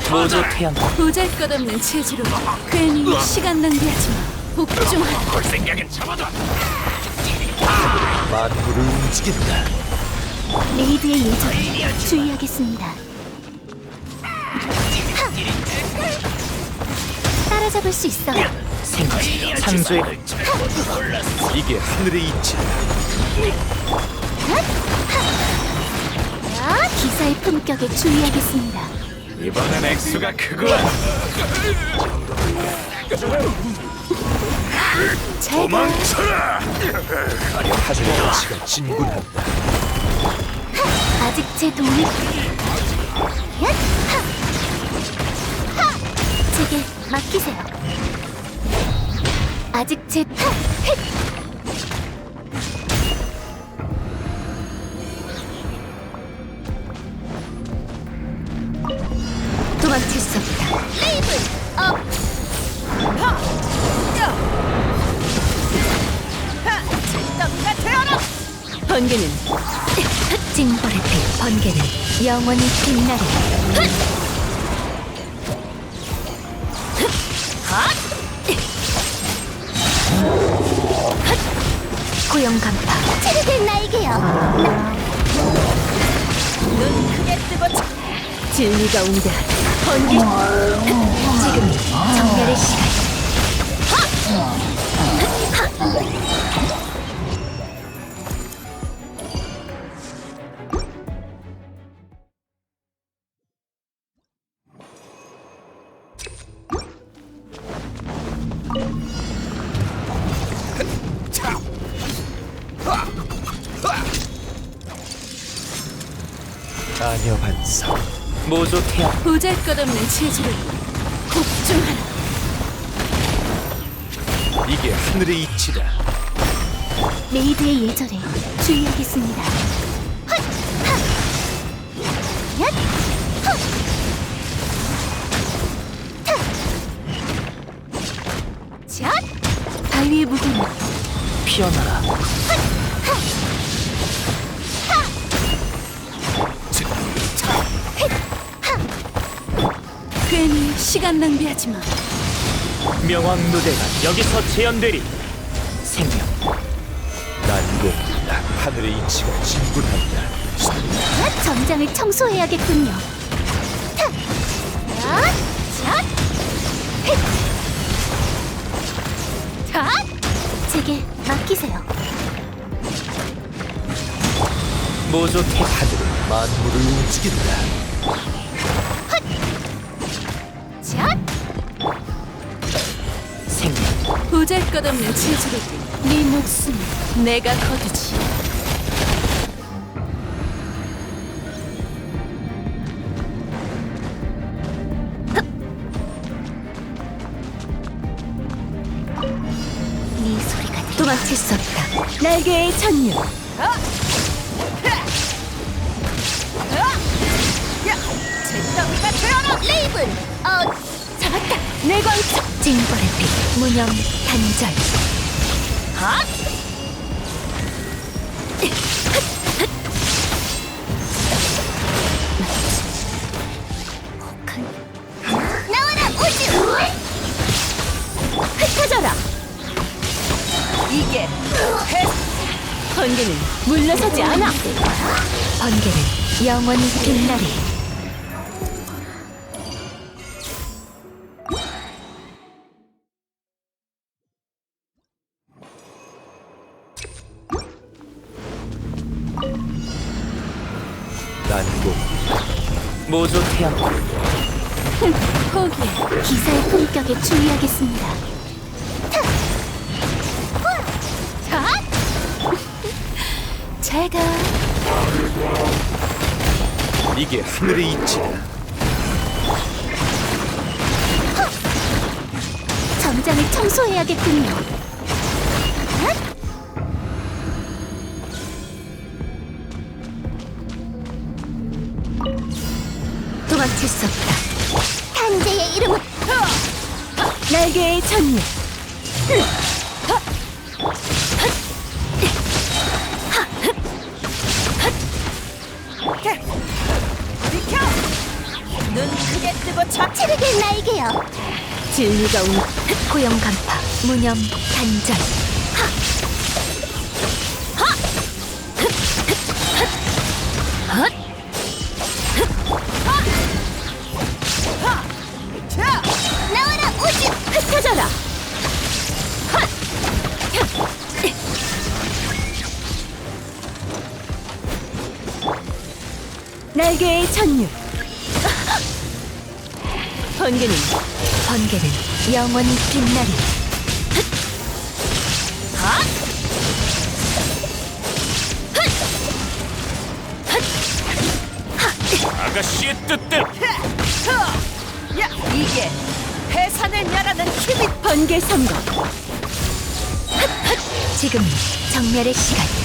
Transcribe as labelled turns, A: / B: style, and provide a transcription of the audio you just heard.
A: 모조 태양.
B: 보잘것없는 체지로 괜히 시간 낭비하지 마. 복종하라.
C: 볼 생각은 접어둬.
D: 만물을 움직인다.
E: 레이드의 예절 주의하겠습니다. 따라잡을 수 있어.
A: 생지 창조의
D: 이게 하늘의 이치다.
E: 기사의 품격에 주의하겠습니다.
C: 이번엔 액수가 크고
E: 제가
C: 도망쳐라.
D: 하늘의 이치가 진군한다.
E: 아직 제 도움이 제게 맡기세요. 아직 제 도망칠 수 없다. 레이븐 업.
B: 덩이가 되어라.
E: 번개는 징벌의 빛. 번개는 영원히 빛나리. 고용 간파. 체르된 나에게요.
B: 눈 크게 뜨고
E: 진리가 웅대하다. 번개. 지금이 정멸의 시간.
D: 아녀 반사.
A: 모조 태양.
B: 보잘것없는 체지로 복종하라.
D: 이게 하늘의 이치다.
E: 레이드의 예절에 주의하겠습니다. 헛! 하! 얏! 헛! 타! 잣! 바위의 무게는
A: 피어나라.
B: 괜히 시간 낭비하지 마.
A: 명왕 누대가 여기서 재현되리. 생명.
D: 난공불락 하늘의 이치가 진군한다.
E: 전장을 청소해야겠군요. 타! 얏! 잣! 헷! 잣! 제게 맡기세요.
A: 모조 태양.
D: 하늘은 만물을 움직인다.
E: 잣!
A: 생명.
B: 보잘것없는 체지로 네 목숨 내가 거두지.
E: 네 소리가 도망칠 수 없다. 날개의 전율.
B: 덩이가 되어라.
E: 레이븐! 잡았다! 내 광석! 징벌의 빛, 무념, 단절.
B: 핫!
E: 나와라, 우주! 흩어져라!
B: 이게 번개는 물러서지 않아.
E: 번개는 영원히 빛나리.
D: 난공불락
A: 모조 태양.
B: 포기해.
E: 기사의 품격에 주의하겠습니다.
B: 자,
E: 제가
D: 이게 하늘의 이치다.
E: 전장을 청소해야겠군요. 도망칠 수 없다. 탄재의 이름은 날개의 전율.
B: 비켜. 눈 크게 뜨고 쳐.
E: 날개여.
B: 진리가 온
E: 고용 간파, 무념 단절. 나와라 우주.
B: 흩어져라. 날개의 전율. 번개는
E: 번개는 영원히 빛나리.
A: 아가씨의 뜻대로
B: 이게 해산을 멸하는 힘이 번개 선거.
E: 지금 정멸의 시간.